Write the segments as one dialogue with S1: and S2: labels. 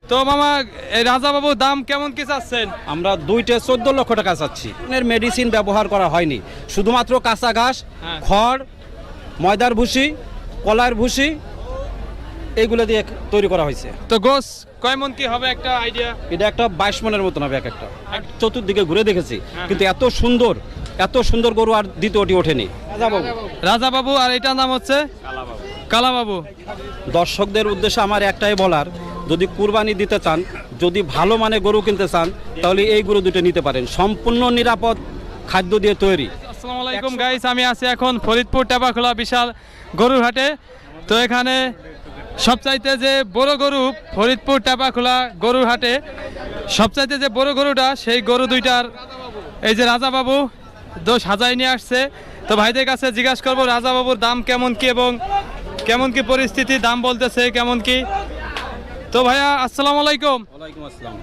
S1: তো মামা এই রাজা বাবু দাম কেমন কি চাচ্ছেন?
S2: আমরা দুইটা 14 লক্ষ টাকা চাচ্ছি। মেডিসিন ব্যবহার করা হয়নি, শুধুমাত্র কাঁচা ঘাস, খড়, ময়দার ভুসি, কলার ভুসি এইগুলো দিয়ে তৈরি করা হয়েছে।
S1: তো গোস কয় মন কি হবে একটা আইডিয়া?
S2: এটা একটা 22 মনের মতন হবে এক একটা। চতুর্দিকে ঘুরে দেখেছি, কিন্তু এত সুন্দর গরু আর দ্বিতীয়টি ওঠেনি।
S1: রাজা বাবু, আর এটার নাম হচ্ছে কালা বাবু।
S2: দর্শকদের উদ্দেশ্যে আমার একটাই বলার, যদি কুরবানি দিতে চান, যদি ভালো মানে গরু কিনতে চান, তাহলে এই গরু দুটো নিতে পারেন। সম্পূর্ণ নিরাপদ খাদ্য দিয়ে তৈরি।
S1: আসসালামু আলাইকুম গাইস, আমি আছি এখন ফরিদপুর টেপাখোলা বিশাল গরুর হাটে। তো এখানে সবচাইতে যে বড় গরু ফরিদপুর টেপাখোলা গরুর হাটে, সবচাইতে যে বড় গরুটা, সেই গরু দুইটার এই যে রাজা বাবু দোষ হাজাই নিয়ে আসছে। তো ভাইদের কাছে জিজ্ঞাসা করবো রাজা বাবুর দাম কেমন কি এবং কেমন কি পরিস্থিতি, দাম বলতেছে কেমন কি। তো ভাইয়া আসসালামু আলাইকুম।
S2: ওয়ালাইকুম আসসালাম।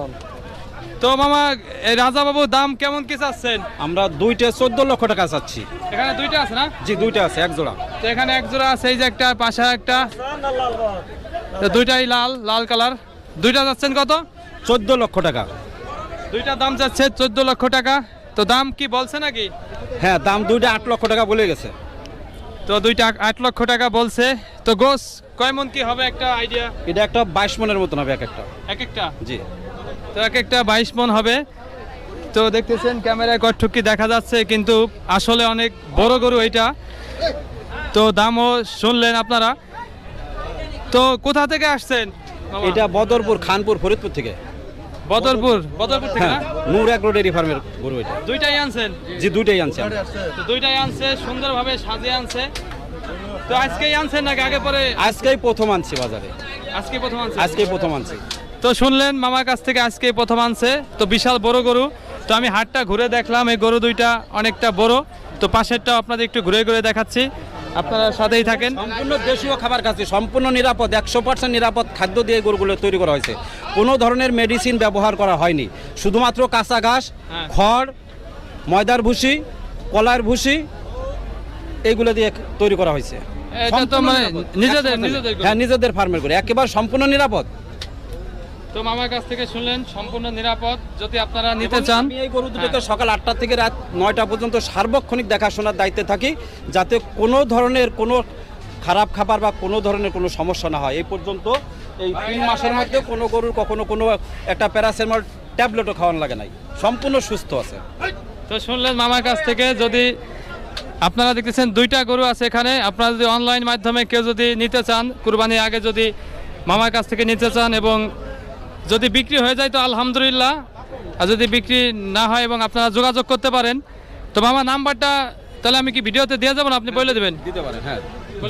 S1: তো মামা এই রাজা বাবুর দাম কেমন কি চাচ্ছেন?
S2: আমরা দুইটা 14 লক্ষ টাকা চাচ্ছি।
S1: এখানে দুইটা আছে না?
S2: জি, দুইটা আছে, এক জোড়া।
S1: তো এখানে এক জোড়া আছে, এই যে একটা, পাশে একটা, তো দুইটাই লাল কালার। দুইটা যাচ্ছেন কত?
S2: 14 লক্ষ টাকা।
S1: দুইটার দাম যাচ্ছে 14 লক্ষ টাকা। তো দাম কি বলছে নাকি?
S2: হ্যাঁ, দাম দুইটা 8 লক্ষ টাকা বলে গেছে।
S1: তো দুইটা 8 লক্ষ টাকা বলছে। তো গোস কয় মন কি হবে একটা আইডিয়া?
S2: এটা একটা 22 মনের মতন হবে এক একটা।
S1: এক একটা?
S2: জি।
S1: তো এক একটা 22 মন হবে। তো দেখতেছেন ক্যামেরায় কটটুকি দেখা যাচ্ছে, কিন্তু আসলে অনেক বড় গরু এটা। তো দামও শুনলেন আপনারা। তো কোথা থেকে আসছেন?
S2: এটা বদরপুর, খানপুর, ফরিদপুর থেকে।
S1: বদরপুর থেকে না?
S2: হ্যাঁ, নূর এগ্রো ডেয়ারি ফার্মের গরু এটা।
S1: দুইটাই আনছেন?
S2: জি, দুইটাই আনছি আমরা।
S1: তো দুইটাই আনছে, সুন্দরভাবে সাজিয়ে আনছে। তো আজকেই আনছেন নাকি আগে পরে?
S2: আজকেই প্রথম আনছি বাজারে।
S1: আজকে প্রথম আনছে?
S2: আজকেই প্রথম আনছি।
S1: তো শুনলেন মামার কাছ থেকে, আজকেই প্রথম আনছে। তো বিশাল বড় গরু। তো আমি হাটটা ঘুরে দেখলাম, এই গরু দুইটা অনেকটা বড়। তো পাশেরটা আপনাদের একটু ঘুরে ঘুরে দেখাচ্ছি, আপনারা সাথেই থাকেন।
S2: সম্পূর্ণ দেশীয় খাবার খাচ্ছি, সম্পূর্ণ নিরাপদ, 100% নিরাপদ খাদ্য দিয়ে গরুগুলো তৈরি করা হয়েছে। কোনো ধরনের মেডিসিন ব্যবহার করা হয়নি, শুধুমাত্র কাঁচা ঘাস, খড়, ময়দার ভুসি, কলার ভুসি এইগুলো দিয়ে তৈরি করা হয়েছে।
S1: এটা তো মানে নিজেদের
S2: হ্যাঁ, নিজেদের ফার্মের করে একেবারে সম্পূর্ণ নিরাপদ।
S1: তো মামার কাছ থেকে শুনলেন সম্পূর্ণ নিরাপদ। যদি আপনারা নিতে চান,
S2: আমি এই গরু দুটোকে সকাল 8টা থেকে রাত 9টা পর্যন্ত সার্বক্ষণিক দেখাশোনার দায়িত্বে থাকি, যাতে কোনো ধরনের কোনো খারাপ খাবার বা কোনো ধরনের কোনো সমস্যা না হয়। এই পর্যন্ত এই 3 মাসের মধ্যে কোনো গরুর কখনো কোনো একটা প্যারাসিটামল ট্যাবলেটও খাওয়ানো লাগে নাই, সম্পূর্ণ সুস্থ আছে।
S1: তো শুনলেন মামার কাছ থেকে। যদি আপনারা দেখতেছেন দুইটা গরু আছে এখানে, আপনারা যদি অনলাইন মাধ্যমে কেউ যদি নিতে চান, কুরবানির আগে যদি মামার কাছ থেকে নিতে চান এবং যদি বিক্রি হয়ে যায় তো আলহামদুলিল্লাহ, আর যদি বিক্রি না হয় এবং আপনারা যোগাযোগ করতে পারেন। তো মামা নাম্বারটা তাহলে আমি কি ভিডিওতে দিয়ে যাবো না, আপনি বলে দেবেন?
S2: দিতে পারেন, হ্যাঁ।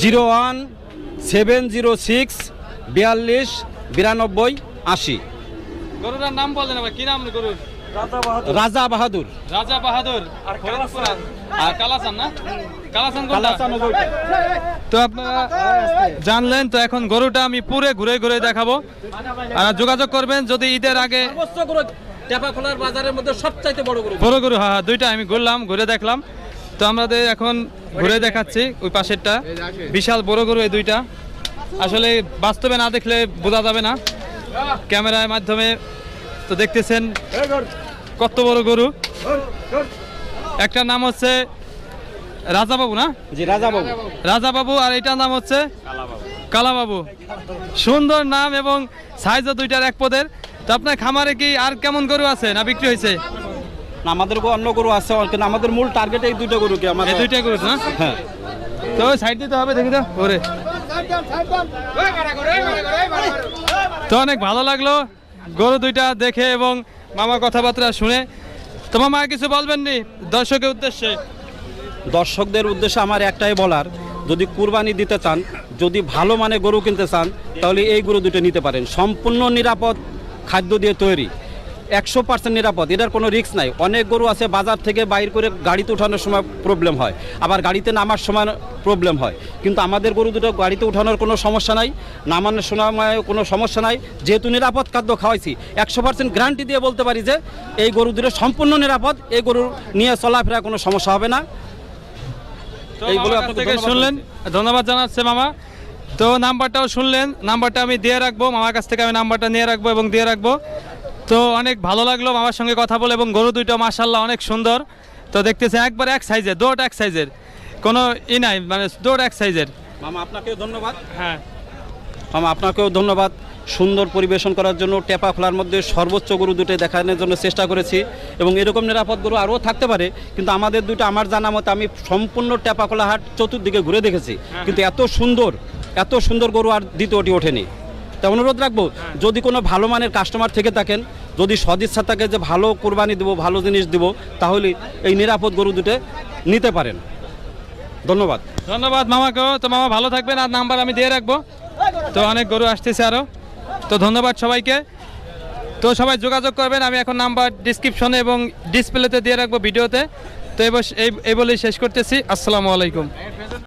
S2: 01706 42 92 80।
S1: গরুটার নাম বলেন আবার, কি নাম গরুর?
S2: রাজা বাহাদুর।
S1: রাজা বাহাদুর। আর কালাচান না? কালাচান কোনটা? তো আপনারা জানলেন। তো এখন গরুটা আমি পুরো ঘুরে ঘুরে দেখাবো, আর যোগাযোগ করবেন যদি ঈদের আগে।
S2: টেপাখোলার বাজারের মধ্যে সবচাইতে বড় গরু।
S1: বড় গরু, হ্যাঁ, দুইটা আমি ঘুরলাম, ঘুরে দেখলাম। তো আমাদের এখন ঘুরে দেখাচ্ছি ওই পাশেরটা, বিশাল বড় গরু এই দুইটা। আসলে বাস্তবে না দেখলে বোঝা যাবে না ক্যামেরার মাধ্যমে। তো দেখতেছেন কত বড় গরু। একটা নাম হচ্ছে রাজা বাবু না?
S2: জি, রাজা বাবু।
S1: রাজা বাবু, আর এটার নাম হচ্ছে কালা বাবু। সুন্দর নাম এবং সাইজও দুইটার এক পদের। তো আপনার খামারে কি আর কেমন গরু আছে না বিক্রি হয়েছে?
S2: আমাদের অন্য গরু আছে, কিন্তু আমাদের মূল টার্গেট এই দুটো গরু। কি আমাদের
S1: এই দুইটা গরু না?
S2: হ্যাঁ।
S1: তো সাইড দিতে হবে, দেখি তো ওরে। তো অনেক ভালো লাগলো গরু দুইটা দেখে এবং মামার কথাবার্তা শুনে। তো মামা কিছু বলবেন নি দর্শকের উদ্দেশ্যে?
S2: দর্শকদের উদ্দেশ্যে আমার একটাই বলার, যদি কুরবানি দিতে চান, যদি ভালো মানে গরু কিনতে চান, তাহলে এই গরু দুটো নিতে পারেন। সম্পূর্ণ নিরাপদ খাদ্য দিয়ে তৈরি, 100% নিরাপদ, এটার কোনো রিস্ক নাই। অনেক গরু আছে বাজার থেকে বাইর করে গাড়িতে উঠানোর সময় প্রবলেম হয়, আবার গাড়িতে নামার সময় প্রবলেম হয়, কিন্তু আমাদের গরু দুটো গাড়িতে উঠানোর কোনো সমস্যা নাই, নামানোর সময় কোনো সমস্যা নাই। যেহেতু নিরাপদ খাদ্য খাওয়াইছি, 100% গ্যারান্টি দিয়ে বলতে পারি যে এই গরু দুটো সম্পূর্ণ নিরাপদ, এই গরু নিয়ে চলাফেরা কোনো সমস্যা হবে না।
S1: এইগুলো আপনাদের শুনলেন, ধন্যবাদ জানাচ্ছে মামা। তো নাম্বারটাও শুনলেন, নাম্বারটা আমি দিয়ে রাখবো, মামার কাছ থেকে আমি নাম্বারটা নিয়ে রাখবো এবং দিয়ে রাখবো। তো অনেক ভালো লাগলো মামার সঙ্গে কথা বলে, এবং গরু দুইটা মাশাআল্লাহ অনেক সুন্দর। তো দেখতেছেন একবার এক সাইজের, দৌড় এক সাইজের, কোনো নাই, মানে দৌড় এক সাইজের।
S2: মামা আপনাকেও ধন্যবাদ।
S1: হ্যাঁ
S2: মামা আপনাকেও ধন্যবাদ সুন্দর পরিবেশন করার জন্য। টেপা খোলার মধ্যে সর্বোচ্চ গরু দুটো দেখানোর জন্য চেষ্টা করেছি, এবং এরকম নিরাপদ গরু আরও থাকতে পারে, কিন্তু আমাদের দুটো আমার জানা মতে আমি সম্পূর্ণ টেপা খোলা হাট চতুর্দিকে ঘুরে দেখেছি, কিন্তু এত সুন্দর গরু আর দ্বিতীয়টি ওঠেনি। তা অনুরোধ রাখবো, যদি কোনো ভালো মানের কাস্টমার থেকে থাকেন, যদি সদিচ্ছা থাকে যে ভালো কোরবানি দেবো, ভালো জিনিস দেবো, তাহলে এই নিরাপদ গরু দুটো নিতে পারেন। ধন্যবাদ।
S1: ধন্যবাদ মামাকেও। তো মামা ভালো থাকবেন, আর নাম্বার আমি দিয়ে রাখবো। তো অনেক গরু আসতেছে আরও। তো ধন্যবাদ সবাইকে। তো সবাই যোগাযোগ করবেন, আমি এখন নাম্বার ডিসক্রিপশনে এবং ডিসপ্লেতে দিয়ে রাখবো ভিডিওতে। তো এই বলেই শেষ করতেছি। আসসালামু আলাইকুম।